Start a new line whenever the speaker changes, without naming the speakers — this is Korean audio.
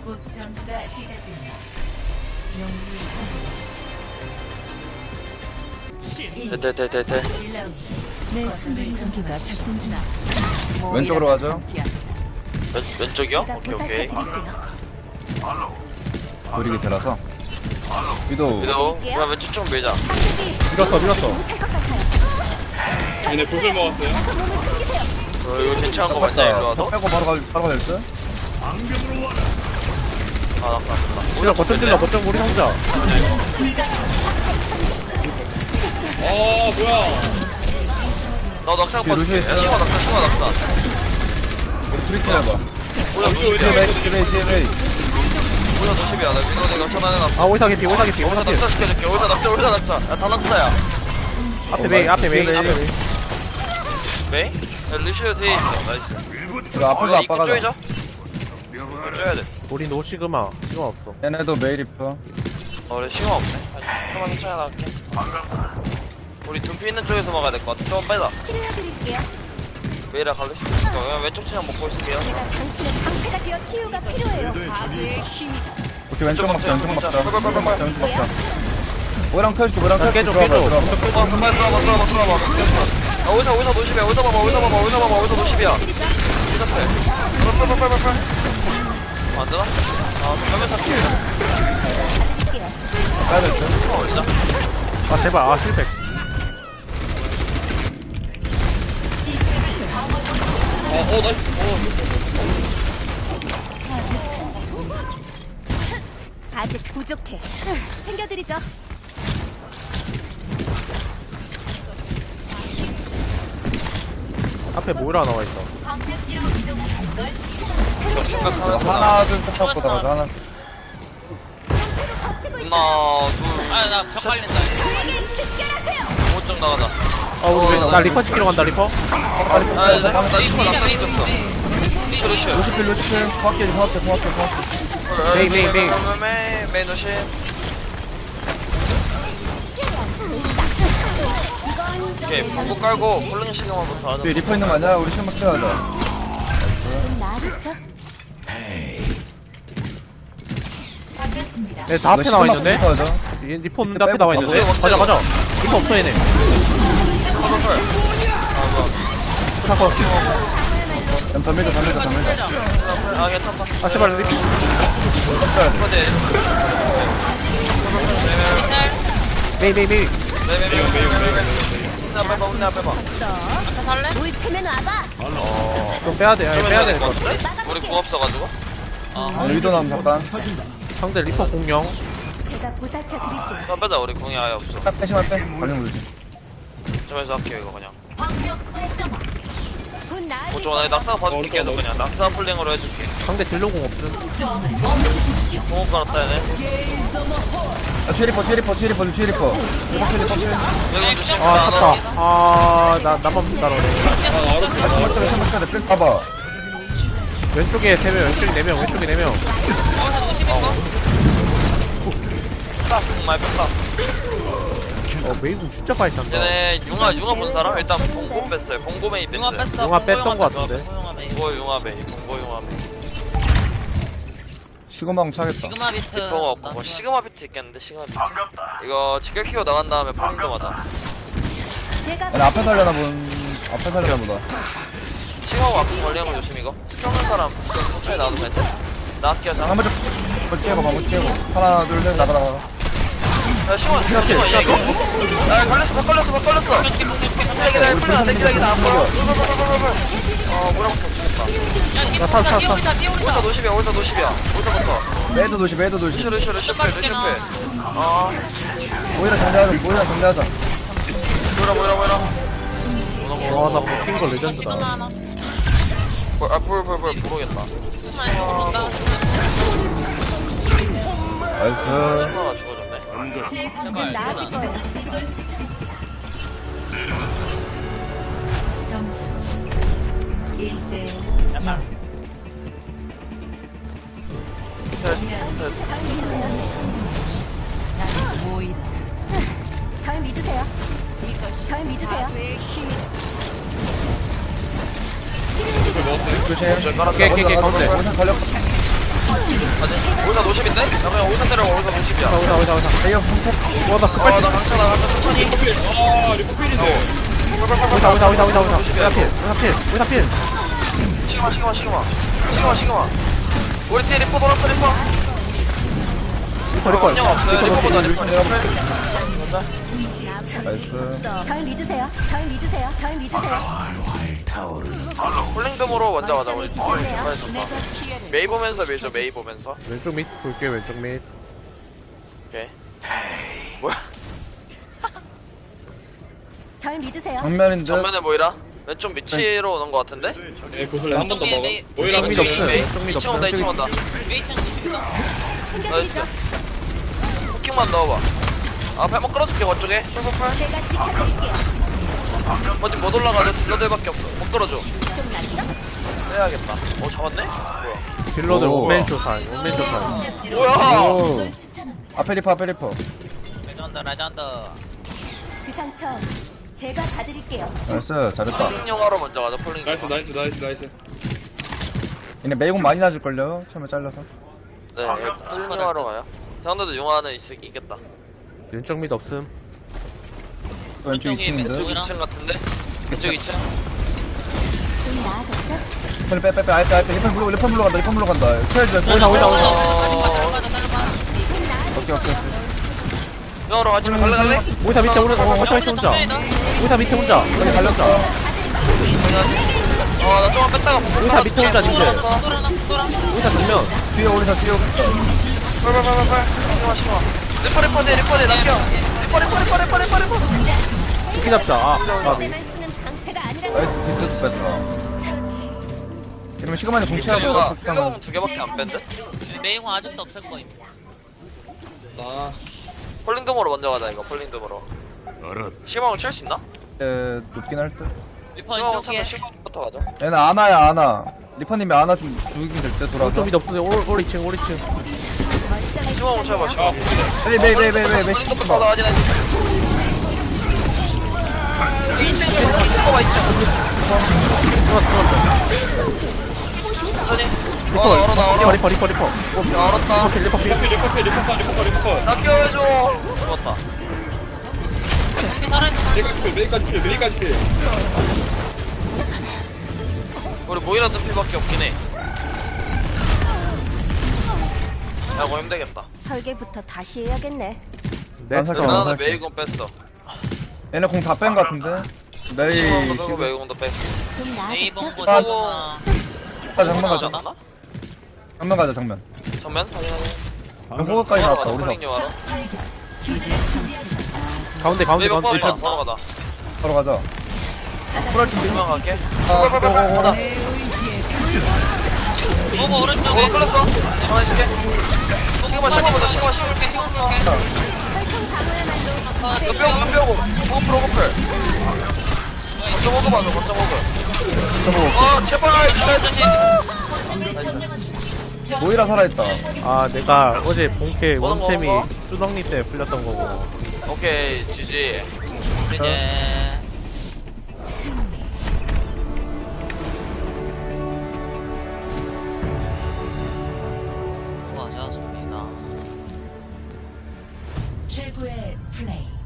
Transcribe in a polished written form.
곧 전투가 시작됩니다. 영웅을 선택하십시오.
대.
1라운드. 내 순간 전기가 작동 중이다.
왼쪽으로 가죠.
왼쪽이요? 오케이.
우리 밑에라서. 위도.
위도 그냥 왼쪽 좀 밀자.
밀었어.
얘네 구슬 먹었어요.
이거 괜찮은 거 맞냐 이거 와도?
빼고 바로 갈 듯?
아 나쁘다.
찔러 거점 찔러 거점 우리 상자.
뭐야.
나 낙상
뒤에 루시오
빠질게. 야
있어요.
시간 낙상.
우리 트리트 해봐.
오야
루시오
90이야.
뒤에
오야 90이야. 나 위도 내가 전화해놨어.
아 오이사 개피 오이사 개피
오자
오이사 개피.
낙사 시켜줄게. 오자 낙사. 야다 낙사야.
앞에 메이 앞에 메이
메이.
앞에 메이.
메이? 야 루시오 뒤에 있어. 나이스.
이거 앞으로
이거 입구
아빠가
쪼이죠? 입구 쪼야 돼.
우리 노 시그마 없어.
얘네도 메이리프.
그래 시간 없네. 한번 천천히 나갈게. 우리 둠피 있는 쪽에서 막아야 될 것 같아. 좀 빼자.
치료해드릴게요.
메이라 갈래 싶어. 그냥 왼쪽 치장 먹고 있을게요.
제가 당신의 방패가 되어 치유가 필요해요. 과부의 힘이
오케이 왼쪽 먹자. 왼쪽 먹자.
빨빨빨빨빨.
왼쪽 먹자. 오랑 켜줄게. 오랑 켜줄게.
깨줘,
들어와봐,
깨줘.
들어와봐.
와 선발 들어봐. 야 오이사 노십이야. 오이사 봐봐 노십이야. 오이사 패. 빨빨빨빨빨. 안 되나? 그러면 다 피해.
빼야 될 듯.
올리자.
아 제발 아 실패.
아직 부족해. 챙겨드리죠.
앞에 모이라 나와 있어.
생각하면서
하나 둘 셋 보다 가자. 하나.
버티고 있어.
하나 둘.
나벽 깔린다.
저에게 집결하세요.
5점 나가자.
아 우리 나 리퍼 시키러 간다 리퍼.
나 시켜 낙사 시켰어. 루시오.
루시필. 정확해.
메이.
메이 노십. 오케이 방구 깔고 콜로니 시그마부터 하자.
뒤에 리퍼 있는 거 아니야? 우리 실막 켜야자.
좀 나아졌죠?
네다 앞에 나와 있는데. 얘 리퍼 없는데 앞에 나와 있는데. 가자. 리퍼 없어 얘네. 사커.
더 밀자.
아 괜찮다.
아 제발 리퍼.
근데
메이.
혼나 빼봐.
올 테면 와봐.
좀 빼야 돼. 빼야 돼.
것 같은데? 우리 궁 없어가지고.
위도 나면 잠깐.
상대 리퍼 공룡.
제가 보살펴드릴게요.
좀 빼자 우리 궁이 아예 없어.
빼시만 빼. 걸리면 되지.
점에서 할게요 이거 그냥.
곧 나아질
오저 나 낙사 봐줄게 계속 그냥. 낙사 폴링으로 해줄게.
상대 딜로공 없음.
궁 깔았다 얘네.
뒤에 리퍼.
여기 조심.
아 탔다. 아 나만 따라오네.
실막 켜야 돼. 봐봐.
왼쪽에 3명, 왼쪽에 4명, 왼쪽에 4명.
궁 많이 뺐다.
메이군 진짜 많이 탄다.
얘네 융화 본 사람? 일단 봉고 뺐어요. 봉고 메이 뺐어요.
용화 뺐던 거 같은데.
봉고 융화 메이.
시그마공 차겠다.
리퍼가 없고 뭐 시그마 비트 있겠는데 시그마 비트. 이거 직결 키고 나간 다음에 폴링도 맞아.
제가
얘네 앞에 살려나 보다.
시그마 앞에 걸리는 거 조심 이거. 스킬 없는 사람 좀 천천히 놔두면 돼. 나 할게요 자.
한번 좀 깨고. 하나 둘 셋 나가.
야 시그마 이야 이거. 야 걸렸어. 기다려 안 보여. 뭐라고 죽겠다.
나 탔어.
오이사 노십이야. 오이사부터.
매도 도시.
루시오 패. 아
모이라 정리하자.
뭐라.
나 버틴 거 레전드다.
모르겠다.
나이스.
시그마가 죽어졌네.
곧 나아질 거예요.
점수 1대 모이라.
절 믿으세요.
조심.
깨, 가운데.
오늘 걸렸어.
오이사 50인데? 나 그냥 오이사 때려 오이사 50이야.
오자.
이거 선택.
와나
아, 나 강차다. 천천히.
오자 필.
시그마. 우리 팀 리퍼 돌았어, 리퍼.
리퍼.
그냥 없어요. 리퍼보다 리퍼.
나이스.
절 믿으세요.
폴링덤으로 먼저 가자, 우리 팀. 메이 보면서 밀죠, 메이 보면서.
왼쪽 밑 볼게 왼쪽 밑.
오케이. 뭐야?
절 믿으세요.
정면인데.
전면에 모이라? 왼쪽 밑으로 오는 거 같은데?
네, 구슬 한 번 더 먹어. 오히려
좀
메이,
없어요.
메이.
좀
2층 온다, 2층 온다. 나이스.
챙겨드리죠.
쿠킹만 넣어봐. 아, 발목 끌어줄게, 원쪽에. 펄펄펄.
제가 지켜드릴게요.
어디 못 올라가죠? 딜러들밖에 없어. 못 끌어줘.
좀 낫죠?
빼야겠다. 오, 잡았네? 뭐야?
딜러들
오.
원맨 쇼타임.
뭐야!
오. 앞에 리퍼.
그 상처 제가 봐드릴게요.
나이스. 잘했다.
폴링 영화로 먼저 가자, 폴링 영화.
나이스.
얘네 메이공 많이 낮을걸요? 처음에 잘라서.
네, 폴링 영화로 가요. 상대도 용화는 있겠다.
왼쪽 밑 없음.
또 왼쪽 2층인데.
왼쪽 2층 같은데? 왼쪽 2층?
좀 나아졌죠?
빼. 알때. 리퍼 물러 간다. 켜야지.
오자.
오케이.
영화로 같이 갈래?
오자 밑에 혼자. 오자 밑에 혼자.
여기 갈렸어.
나 조금만 뺐다가
오자 밑에 혼자 진짜. 오자 정면.
뒤에 오리사.
빨빨빨빨빨 시그마 리퍼 리퍼
두기 잡자. 아
때만 쓰는 방패가 아니라
나이스. 뒷도 뺐어.
처치.
이러면 시그마에 공치하고
가
폭탄은
필러공 2개밖에 안 뺀데?
메이공 아직도 없을 거임.
나
폴링덤으로 먼저 가자 이거 폴링덤으로 시그마공 칠 수 있나?
높긴 할 듯.
리퍼
시그마공
왼쪽에.
차면 시그마부터 가자
얘는 아나야. 리퍼님이 아나 좀 죽이긴 될 때 돌아서.
오른쪽 밑 없으네. 올 2층.
시그마공 쳐봐 시그마
메이.
폴링덤부터 가자 하진 않지 2층 봐봐 2층 천천히 얼어
리퍼.
야 얼었다
리퍼.
나 키워줘 죽었다
메이까지 필.
우리 모이라 뜸필밖에 없긴 해 야, 이거 힘들겠다.
설계부터 다시 해야겠네.
네.
나는
살게.
메이공 뺐어.
얘네 공 다 뺀 거 같은데. 메이.
시그마도 빼고 메이공도 뺐어.
좀
메이공
나아졌죠?
보자.
정면 가자.
않았나?
정면 가자. 정면.
전면? 확인하네.
호그까지 나왔다.
폴링
우리사.
영화로.
가운데.
메이공 뽑았다. 바로 가다.
바로 가자. 풀할 준비.
두명 갈게.
아,
빨빨빨빨.
고고고.
가다.
오버 오른쪽에.
끌었어. 가만히 있을게. 시그마 보자. 시그마. 뼈고. 호플. 거점 호그 봐줘. 거점 호그. 제발.
모이라 살아있다.
아 내가 어제 본캐
먹어,
원챔이
먹어.
쭈덕니 때 풀렸던 거고.
오케이. GG.
이제 수고하셨습니다.
최고의 플레이.